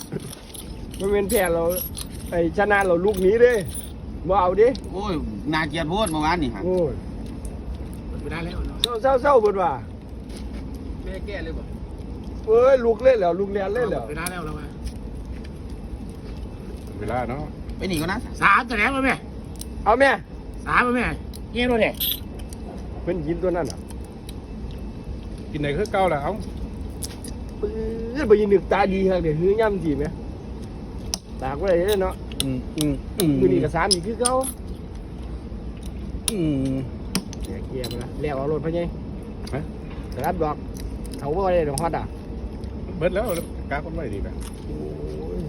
มันเป็นแพ้เราไอ้ชนะเราลูกนี้เด้บ่เอาดิโอ้ยนาเกียรติโพดเมื่อวานนี่ฮะโอ้ยไปได้แล้วเศร้าเบิดว่าแม่แก้เลยบ่เอ้ยลูกเล่นแล้วลูกเรียนเล่นแล้วไปได้แล้วเรามาเวลาเนาะไปหนีก็นะ 3จะแล้วมั้ยแม่เอาแม่ 3มั้ยแม่เงี้ยด้วยเนี่ยเพิ่นกินตัวนั้นอ่ะกินไหนคือเก่าแหละเอ้าปื้อบ่ยินนึกตาดีครับเดี๋ยวหื้อย่ำจีแม่ตากบ่ได้เด้เนาะมื้อนี้ก็3อีกคือเก่าแกเกียร์มาละแล้วเอารถไปไงสลับดอกเขาบ่ได้ดอกฮอดอ่ะเบิดแล้วกาคนไว้ดีแบบโอ้ย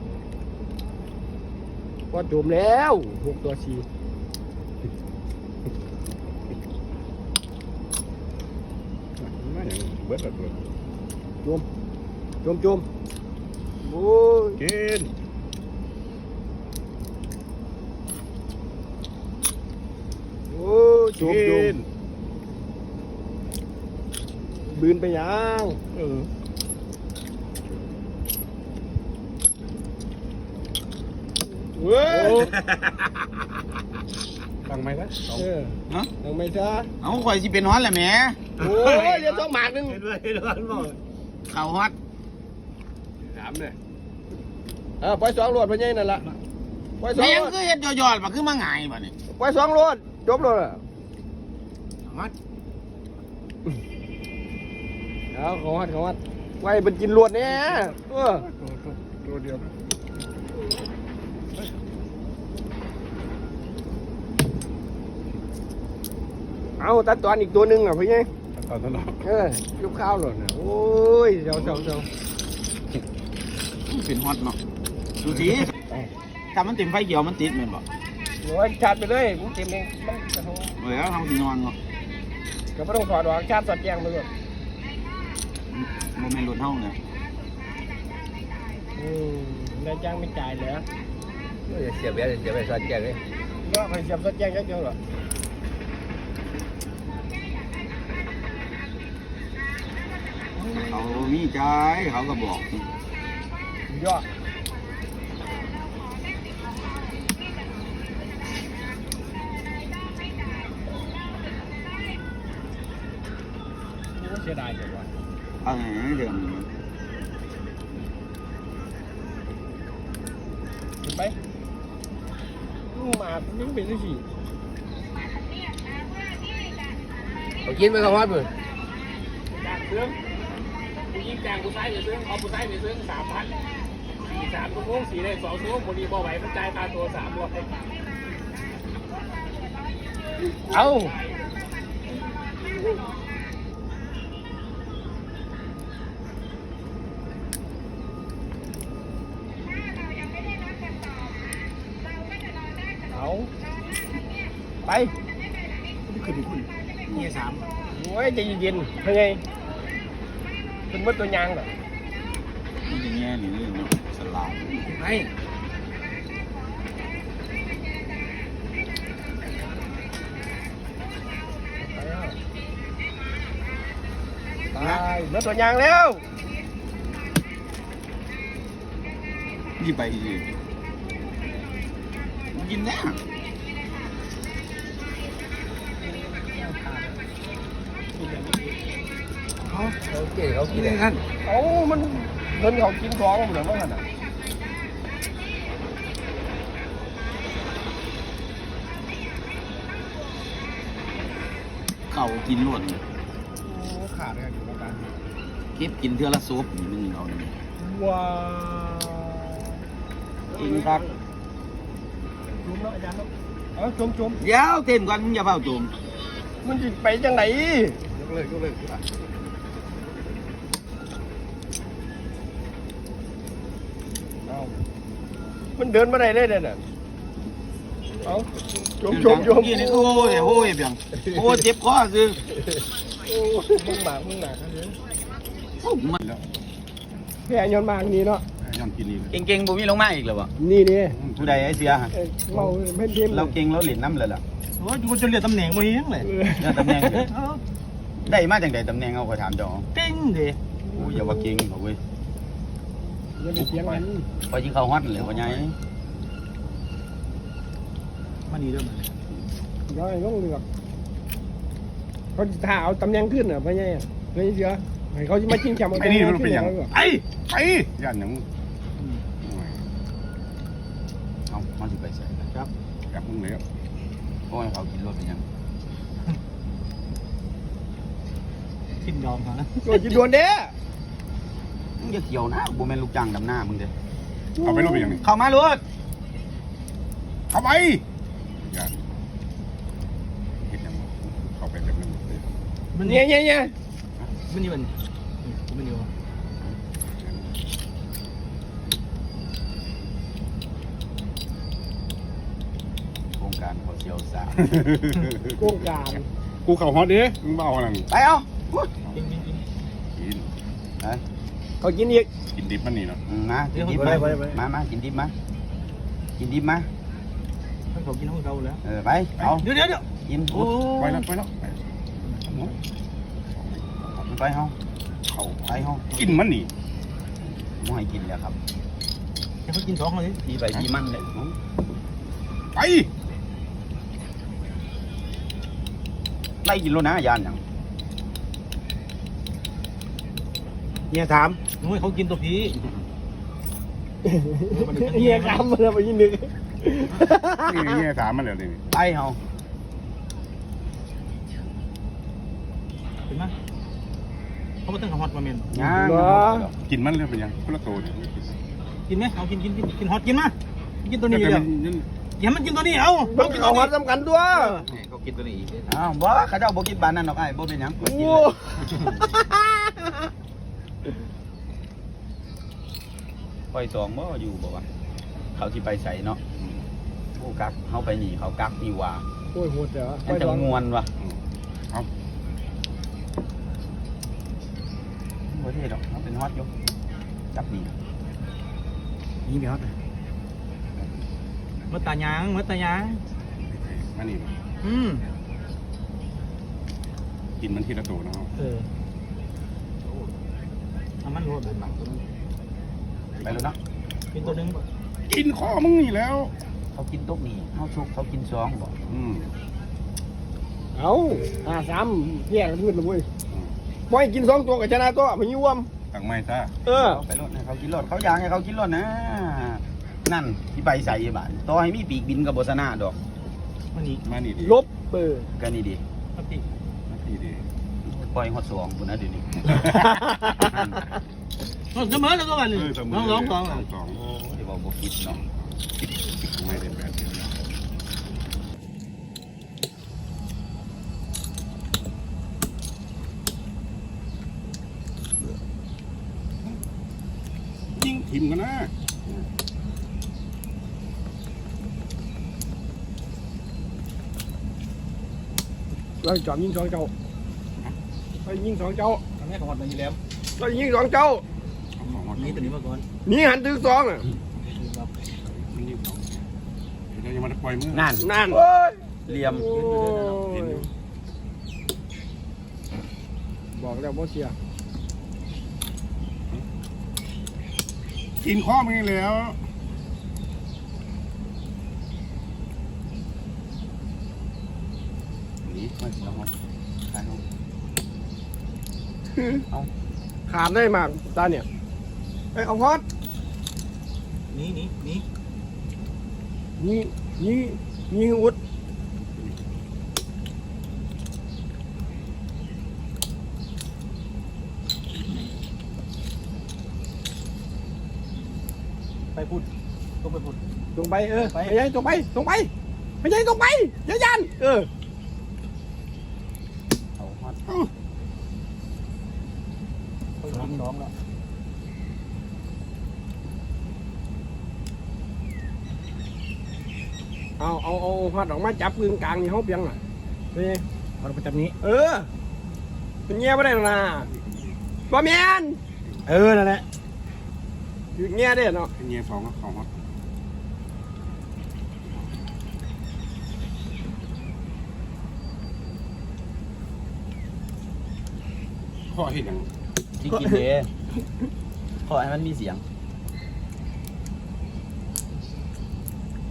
ก็จมแล้ว6ตัว4 ไม่อย่างเบิดแบบจมโอ้ยกินโอ้ยจมบืนไปยัง เว้ยฟังไหมครับฮะยังไม่ช้าเอาข่อยสิเป็นฮอตแหละแหม่โอ้ยเดี๋ยวต้องหมากหนึงเห็นด้วยบ่เข่าฮอต 3เนี่ยปล่อย2โหลดไปไงนั่นล่ะปล่อย2 แม่โหงลดคือเฮ็ดยอดๆมาคือมาง่ายบ่นี่ปล่อย2โหลดจบแล้วล่ะมัดเอาเขาวัดไว้เป็นกินรวดเนี่ยตัวเดียวเอาตัดตอนอีกตัวหนึงอ่ะพี่ไงตอนนั้นเนาะลูกข้าวหล่นโอ้ยเจ้าเป็นฮอตเนาะดูสิถ้ามันเต็มไฟเขียวมันติดแม่นบ่โอ้ยชาร์จไปเลยมึงเต็มเองมันกระทงเออแล้วทำสินอนเนาะก็ไม่ต้องถอดหรอกชาร์จสอดแยงไปก่อนบ่แม่นรถเฮาเนี่ยได้จ้างไม่จ่ายเลยเสียไปสอนแกเลยก็ไปเสียบสอดแยงก็เจอหรอเขามีใจเขาก็บอกยอดเสียดายจังวะเอาไงเรื่องนี้ไปมาไม่เป็นสิเอากินไปกับฮอดมือจากเครื่องกูยิงจางกูซ้ายไปซื้อเอากูซ้ายไปซื้อ3,000 3 ชั่วโมง4ได้2 ชั่วโมงพอดีบ่ไหวมันจ่ายค่าตัว300 เอา ไปขึ้นคุณเงี้ย3 โอ้ยใจเย็นๆเป็นไงเป็นมดตัวยางเหรอมันอย่างเงี้ยนี่เนาะสลาดไปไปมดตัวยางแล้วนี่ไปกินแน่เขาเก่เขากินเลยกันเอามันเงินเขากินท้องเหมือนว่าขนาดเข่ากินล้วนขาดเลยอยู่กับการเก็บกินเทื่อละซุปนี่มึงเอาเนี่ยว้าจริงครับจุ่มเนาะอาจารย์เนาะเอาจุ่มเดี๋ยวเต้นก่อนมึงอย่าเฝ้าจุ่มมันจะไปจังไหนยกเลิกเอามันเดินมาไหนได้เนี่ยน่ะเอาจุ่มกินนี่โอ้ยโอ้ยเพียงโอ้เจ็บคอซื้อโอ้มึงหมากครับเนี่ยมันแค่ย้อนมากนี่เนาะยำกินนี่เลยเก่งๆบ่มีลงมาอีกแล้วบ่นี่ผู้ใดไอ้เสียฮะเมาเพ่นพิมพ์เราเก่งเราเหรียญน้ำเลยล่ะโอ้ยกูจะเรียกตำแหน่งมาเองเลยเนี่ยตำแหน่งได้มาจังไดตำแหน่งเอาขอถามเจ้าเก่งดิโอ้ยอย่าว่าเก่งเขาเว้ยอย่าไปเถียงกันพอยิงเข้าฮอตเลยพ่อใหญ่มันดีด้วยย้อยลงเลือกเขาถ้าเอาตำแหน่งขึ้นอ่ะพ่อใหญ่เฮ้ยเสือให้เขามาชิงแชมป์ไอ้นี่มันเป็นอย่างไอ้ย่านอย่างเอามาสิไปใส่กับมึงเลยโอ้ยเขากินรถเป็นยังทิ้งยอมเขานะโอ้ยจิโดนเด้มึงจะเขียวนะบ่แม่นลูกจ้างดำหน้ามึงเด้เอาไปรถเป็นอย่างนี้เข้ามารถเข้าไปย่านเห็นอย่างเข้าไปแบบนั้นมันเนี่ยมันอยู่มันอยู่โครงการเขาเชียวสาวโกงการกูเข้าฮอตดิมึงบ้าอะไรไปเอากินกินเขากินอีกกินดิบมันนี่เนาะมากินดิบมากินดิบมากินดิบมาท่านเขากินของเราแล้วไปเอาเดี๋ยวกินโอ้ไปแล้วไปแล้วไปเฮาเข้าไปเฮากินมันนี่บ่ให้กินแล้วครับเขากิน2เลยทีไปทีมันเลยไปไล่กินแล้วนะยานอย่างเนี่ยถามโอ้ยเขากินตัวผีเนี่ยถามมาไปยินดึกนี่ถามมันเลยนี่ไปเฮาเห็นไหมเขาไม่ต้องฮอตมาเมนย่างกินมันเลยเป็นยังคนละตัวเนี่ยกินไหมเอากินฮอตกินมากินตัวนี้เดียวอย่ามันกินตัวนี้เอาต้องเอามาสำคัญตัวเขากินตัวนี้อีกอ้าวบ่เขาเจ้าบ่กินบานนั่นหรอกไอ้บ่เป็นหยังโอ้ปล่อยตองบ่อยู่บ่วะเขาสิไปใส่เนาะโอ้กักเฮาไปนี่เขากักนี่ว่าโหโหดเหรอมันจะงวนว่ะเอาบ่เท่ดอกมันเป็นฮอตอยู่จับนี่นี่เดี๋ยวมัตตายางมานี่ กินมันทีละตัวนะครับเอามันรวมเป็นหมักไปแล้วเนาะกินตัวนึงกินข้อมึงนี่แล้วเขากินตกนี่เฮาชุกเขากินสองบ่เอา53แยกกันขึ้นเลยเว้ยปล่อยกิน2ตัวกับชนะตัวมันยุ่มตักไม้ซะเอาไปรถให้เขากินรถเขาอยากให้เขากินรถนะนั่นสิไปใส่บาดต่อให้มีปีกบินก็บ่ชนะดอกมันนี่มานี่ดิลบเออก็นี่ดิมันติมาที่ดิปล่อยฮอดสองพุ่นนะเดี๋ยวนี้เสมอแล้วก็วันนี้สองสองโอ้ยบ่บ่คิดเนาะไม่ได้แบบนี้ยิงทิมกันนะเราจอมยิง2เจ้าไปยิง2เจ้าทำให้ฮอตมาอยู่แล้วเรายิง2เจ้านี่ตัวนี้มาก่อนนี่หันถึง2อ่ะมันยิงสองเดี๋ยวยังมาปล่อยมือนั่นนั่นเหลี่ยมโอ้ยบอกแล้วบ่เสียกินข้อมึงแล้วนี่มาสิเอาฮอดไปเฮาเอาขาดได้มากตาเนี่ยไอ้เอาฮอตนี่นี่อุดไปพูดต้องไปพูดตรงไปไปยัยตรงไปไม่ใช่ตรงไปอย่ายันเอาฮอดไปกินน้องแล้วเอาฮอตออกมาจับปืนกลางนี่เขาเพียงน่ะนี่มันประจำนี้เป็นเงี้ยไม่ได้นะบ่แมนนั่นแหละคือเงี้ยได้เนาะเป็นเงี้ยสองก็ของฮอตข้อเห็นอย่างที่กินเด้ขอให้มันมีเสียง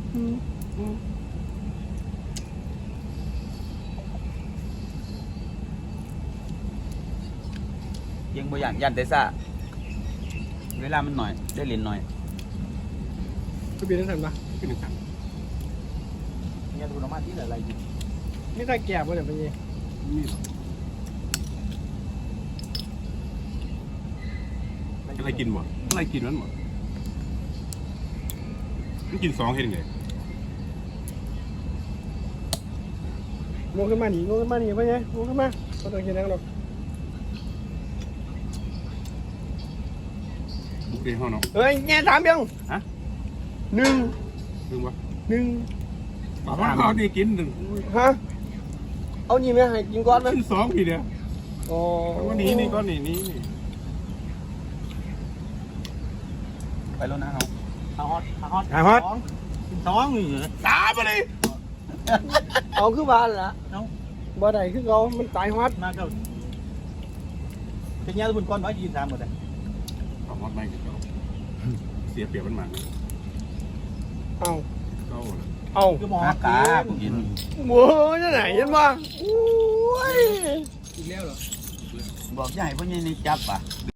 ยังบ่ยันแต่ซ่าเวลามันหน่อยได้เล่นหน่อยก็เป็นนั่นทันปะเป็นหนึ่งสั่งเนี่ยดูน้ำมันที่เหลืออะไรอยู่ไม่ได้แก่บ่เดี๋ยวไปยี่นี่หรออะไรกินบ่อะไรกินมันบ่มันกิน2เฮ็ดยังไงโง่ขึ้นมาหนีโง่ขึ้นมาหนีไปยี่โง่ขึ้นมาก็ต้องกินนั่งหรอกบุกเด้เฮาเนาะเฮ้ยแง่ถามยังฮะหนึ่งนึงวะหนึ่งเอาดีกินหนึ่งฮะเอานี่ไหมให้กินก้อนไหมกิน2พี่เดียวอ๋อวันนี้นี่ก้อนนี่ไปแล้วนะเฮาเอาฮอตเอาฮอตหาฮอตท้องอยู่เหรอตาไปเลยเอาคือบ้านละเอ้าบ่ได้คือเขามันตายฮอตมาเก้าเป็นยังบุญก้อนไว้ยืนตามหมดเลยเอาฮอตไม่กับเขาเสียเปรียบมันมากนะเอาเขาเลยเอาคือหมออากาผู้กินโว้ยจะไหนยันบ้าโอ้ยอีกแล้วเหรอบอกจะให้พ่อใหญ่นี่จับป่ะ